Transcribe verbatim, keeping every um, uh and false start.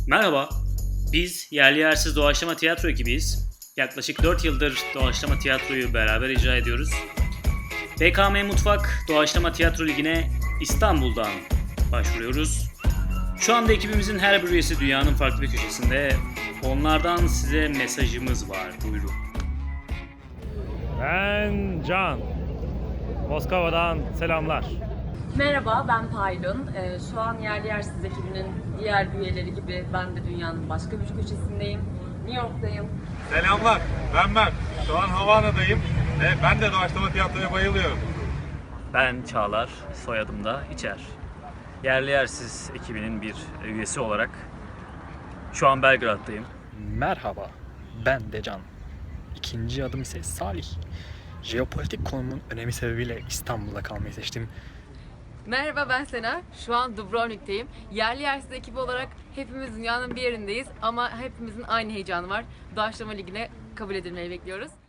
Merhaba, biz yerli yersiz doğaçlama tiyatro ekibiyiz. Yaklaşık dört yıldır doğaçlama tiyatroyu beraber icra ediyoruz. B K M Mutfak Doğaçlama Tiyatro Ligi'ne İstanbul'dan başvuruyoruz. Şu anda ekibimizin her bir üyesi dünyanın farklı bir köşesinde. Onlardan size mesajımız var, buyurun. Ben Can. Moskova'dan selamlar. Merhaba, ben Paylun. Ee, şu an Yerli Yersiz ekibinin diğer üyeleri gibi ben de dünyanın başka bir köşesindeyim. New York'tayım. Selamlar, ben ben. Şu an Havana'dayım ve ben de doğaçlama tiyatroya bayılıyorum. Ben Çağlar, soyadım da İçer. Yerli Yersiz ekibinin bir üyesi olarak şu an Belgrad'dayım. Merhaba, ben Decan. İkinci adım ise Salih. Jeopolitik konumun önemi sebebiyle İstanbul'da kalmayı seçtim. Merhaba, ben Sena. Şu an Dubrovnik'teyim. Yerli yersiz ekibi olarak hepimiz dünyanın bir yerindeyiz ama hepimizin aynı heyecanı var. Doğaçlama Ligi'ne kabul edilmeyi bekliyoruz.